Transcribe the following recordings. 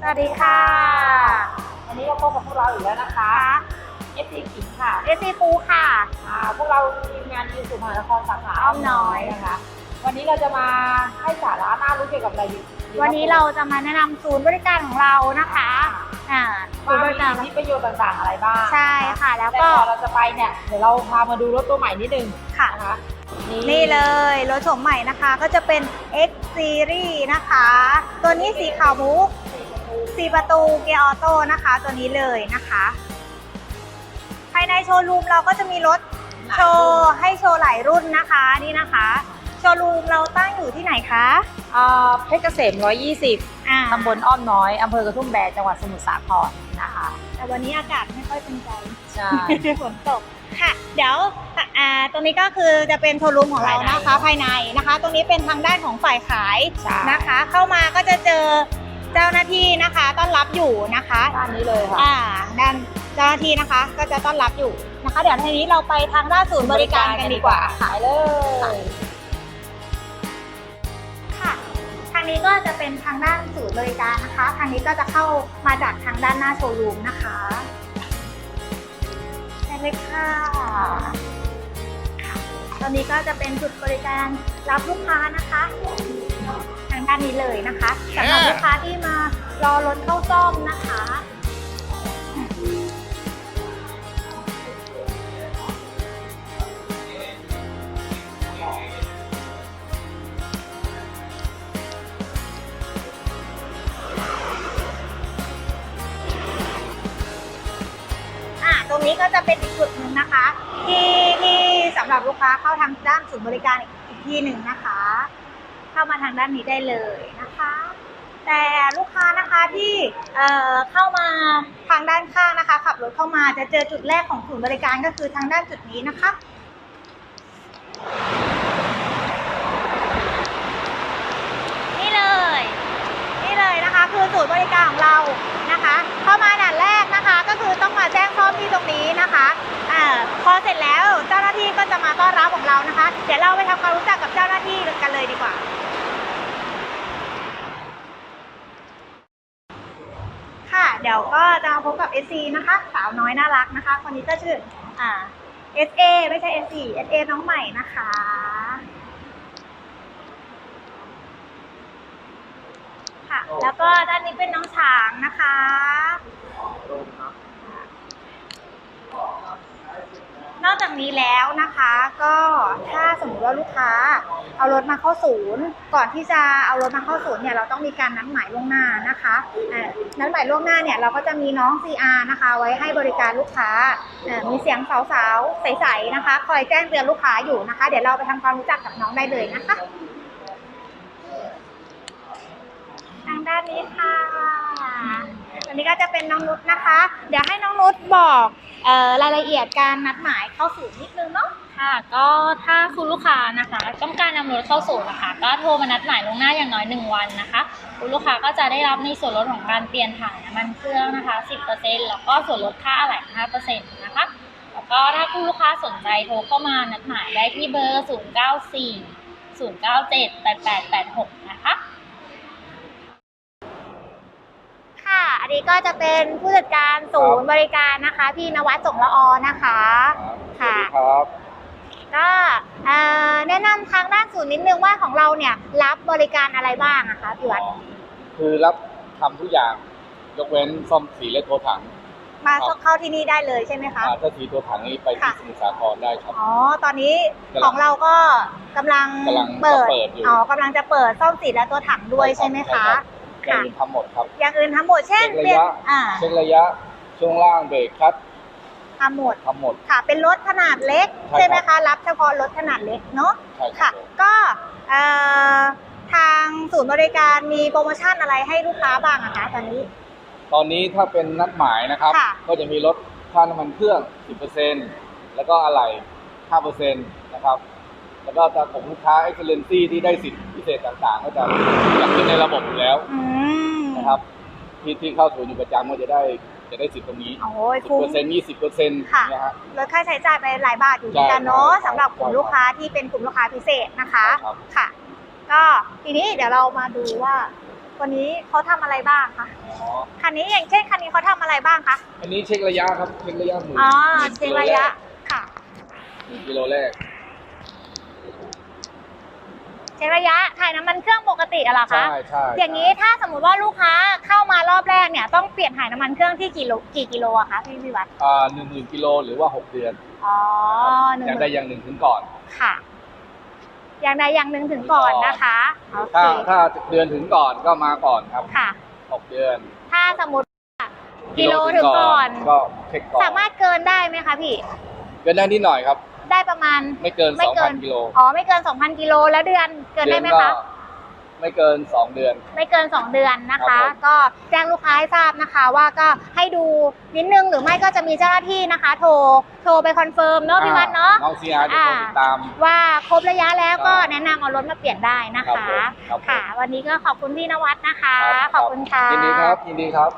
วัสดีค่ะวันนี้ก็พบกับพวกเราอีกแล้วนะคะ FC ขิงค่ะ FC ปูค่ะพวกเราทีมงานยูสุมหานครสาขาอ้อมน้อยนะคะวันนี้เราจะมาให้สาระน่ารู้เกี่ยวกับอะไรดีวันนี้เราจะมาแนะนำศูนย์บริการของเรานะคะศูนย์บริการมีประโยชน์ต่างๆอะไรบ้างใช่ค่ะแล้วก็เราจะไปเนี่ยเดี๋ยวเราพามาดูรถตัวใหม่นิดนึงค่ะนะคะนี่เลยรถโฉมใหม่นะคะก็จะเป็น X Series นะคะตัวนี้สีขาวมุก4 ประตูเกียร์ออโต้นะคะตัวนี้เลยนะคะภายในโชว์รูมเราก็จะมีรถโชว์ให้โชว์หลายรุ่นนะคะนี่นะคะโชว์รูมเราตั้งอยู่ที่ไหนคะเพชรเกษม120ตำบลอ้อมน้อยอำเภอกระทุ่มแบนจังหวัดสมุทรสาครนะคะแต่วันนี้อากาศไม่ค่อยเป็นใจใช่ฝนตกค่ะเดี๋ยวตรงนี้ก็คือจะเป็นโชว์รูมของเรานะคะภายในนะคะตรงนี้เป็นทางด้านของฝ่ายขายนะคะเข้ามาก็จะเจอเจ้าหน้าที่นะคะต้อนรับอยู่นะคะด้านนี้เลยค่ะด้านเจ้าหน้าที่นะคะก็จะต้อนรับอยู่นะคะเดี๋ยวทีนี้เราไปทางด้านศูนย์บริการกันดีกว่าค่ะเลยค่ะทางนี้ก็จะเป็นทางด้านศูนย์บริการนะคะทางนี้ก็จะเข้ามาจากทางด้านหน้าโชว์รูมนะคะเลยค่ะตอนนี้ก็จะเป็นจุดบริการรับลูกค้านะคะทางด้านนี้เลยนะคะสำหรับลูกค้าที่มารอรถเข้าซ่อมนะคะตรงนี้ก็จะเป็นอีกจุดหนึ่งนะคะที่สำหรับลูกค้าเข้าทางด้านศูนย์บริการอีกที่หนึ่งนะคะเข้ามาทางด้านนี้ได้เลยนะคะแต่ลูกค้านะคะที่เข้ามาทางด้านข้างนะคะขับรถเข้ามาจะเจอจุดแรกของศูนย์บริการก็คือทางด้านจุดนี้นะคะนี่เลยนะคะคือศูนย์บริการของเรานะคะเข้ามาด่านแรกนะคะก็คือต้องมาแจ้งซ่อมที่ตรงนี้นะคะพอเสร็จแล้วเจ้าหน้าที่ก็จะมาต้อนรับของเรานะคะเดี๋ยวเราไปทำความรู้จักกับเจ้าหน้าที่กันเลยดีกว่าค่ะเดี๋ยวก็จะมาพบกับ SC นะคะสาวน้อยน่ารักนะคะคนนี้ก็ชื่อSA ไม่ใช่ SC SA น้องใหม่นะคะค่ะแล้วก็ด้านนี้เป็นน้องช้างนะคะนอกจากนี้แล้วนะคะก็ถ้าสมมติว่าลูกค้าเอารถมาเข้าศูนย์ก่อนที่จะเอารถมาเข้าศูนย์เนี่ยเราต้องมีการนัดหมายล่วงหน้านะคะนัดหมายล่วงหน้าเนี่ยเราก็จะมีน้อง CR นะคะไว้ให้บริการลูกค้ามีเสียงสาวๆใสๆนะคะคอยแจ้งเตือนลูกค้าอยู่นะคะเดี๋ยวเราไปทำความรู้จักกับน้องได้เลยนะคะทางด้านนี้ค่ะอันนี้ก็จะเป็นน้องนุชนะคะเดี๋ยวให้น้องนุชบอกรายละเอียดการนัดหมายเข้าศูนย์นิดนึงเนาะค่ะก็ถ้าคุณลูกค้านะคะต้องการนำรถเข้าศูนย์นะคะก็โทรมานัดหมายล่วงหน้าอย่างน้อย1 วันนะคะคุณลูกค้าก็จะได้รับในส่วนลดของการเปลี่ยนถ่ายน้ำมันเครื่องนะคะ 10% แล้วก็ส่วนลดค่าอะไหล่ 5% นะคะแล้วก็ถ้าคุณลูกค้าสนใจโทรเข้ามานัดหมายได้ที่เบอร์ 0940978886 นะคะอันนี้ก็จะเป็นผู้จัดการศูนย์บริการนะคะพี่นวัดสงละอนะคะค่ะครับก็แนะนำทางด้านศูนย์นิดนึงว่าของเราเนี่ยรับบริการอะไรบ้างนะคะพี่วัดคือรับทำทุกอย่างยกเว้นซ่อมสีและตัวถังมาเข้าที่นี่ได้เลยใช่ไหมคะถ้าสีตัวถังนี้ไปที่สมุทรสาครได้ครับตอนนี้ของเราก็กำลังเปิดกำลังจะเปิดซ่อมสีและตัวถังด้วยใช่ไหมคะอย่างอื่นทำหมดครับอย่างอื่นทำหมดเช่นเช็คระยะช่วงล่างเบรกคลัตช์ทำหมดค่ะเป็นรถขนาดเล็กใช่ไหมคะรับเฉพาะรถขนาดเล็กเนาะค่ะก็ทางศูนย์บริการมีโปรโมชั่นอะไรให้ลูกค้าบ้างคะตอนนี้ถ้าเป็นนัดหมายนะครับก็จะมีลดค่าน้ำมันเครื่อง 10% แล้วก็อะไหล่ 5% นะครับแล้วก็ถ้าของลูกค้า Excellency ที่ได้สิทธิพิเศษต่างๆก็จะจัดขึ้นในระบบอยู่แล้วนะครับที่เข้าศูนย์อยู่ประจำก็จะได้สิทธิ์ตรงนี้10% 20% เนี่ยฮะลดค่าใช้จ่ายไปหลายบาทอยู่เหมือนกันเนาะสำหรับกลุ่มลูกค้าที่เป็นกลุ่มลูกค้าพิเศษนะคะค่ะก็ทีนี้เดี๋ยวเรามาดูว่าวันนี้เขาทำอะไรบ้างคะอ๋อคันนี้อย่างเช่นคันนี้เขาทำอะไรบ้างคะอันนี้เช็คระยะครับเช็คระยะหมื่นอ๋อหมื่นเช็คระยะค่ะกิโลแรกเช็คระยะถ่ายน้ำมันเครื่องปกติอะเหรอคะใช่ใช่อย่างนี้ถ้าสมมุติว่าลูกค้าเข้ามารอบแรกเนี่ยต้องเปลี่ยนถ่ายน้ำมันเครื่องที่กี่กิโลอะคะพี่วิวัฒน์ 10,000 กิโลหรือว่า 6 เดือนอ๋ออย่างใดอย่างหนึ่งถึงก่อนค่ะ อย่างใดอย่างหนึ่งถึงก่อนนะคะโอเคถ้าเดือนถึงก่อนก็มาก่อนครับค่ะ 6 เดือนถ้าสมมติว่ากิโลถึงก่อนก็เช็คก่อนสามารถเกินได้ไหมคะพี่เกินได้นิดหน่อยครับได้ประมาณไม่เกิน 2,000 กิโลอ๋อไม่เกิน 2,000 กิโลแล้วเดือนเกินได้ไหมก็คะไม่เกิน 2 เดือนไม่เกิน 2 เดือนนะครัคะบผมก็แจ้งลูกค้าให้ทราบนะคะว่าก็ให้ดูนิดนึงหรือไม่ก็จะมีเจ้าหน้าที่นะคะ โทรไปคอนเฟิร์มเนาะพี่วัดเนาะน้องซีอาร์จะติดตามว่าครบระยะแล้วก็ครับแนะนำเอารถมาเปลี่ยนได้นะครัคะบผมครับผมค่ะ วันนี้ก็ขอบคุณพี่นวัดนะคะรับขอบคุณค่ะยินดีครับ ยินดีครับ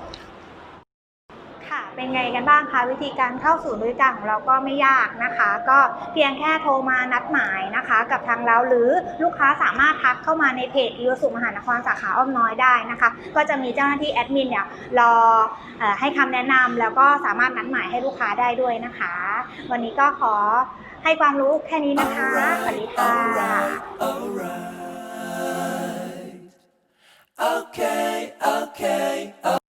ค่ะเป็นไงกันบ้างคะวิธีการเข้าสู่บริการของเราก็ไม่ยากนะคะ ก็เพียงแค่โทรมานัดหมายนะคะ กับทางเราหรือลูกค้าสามารถทักเข้ามาในเพจอีโอสุมหานครสาขาอ้อมน้อยได้นะคะ ก็จะมีเจ้าหน้าที่แอดมินเนี่ยรอให้คำแนะนำแล้วก็สามารถนัดหมายให้ลูกค้าได้ด้วยนะคะ วันนี้ก็ขอให้ความรู้แค่นี้นะคะสวัสดีค่ะ Okay.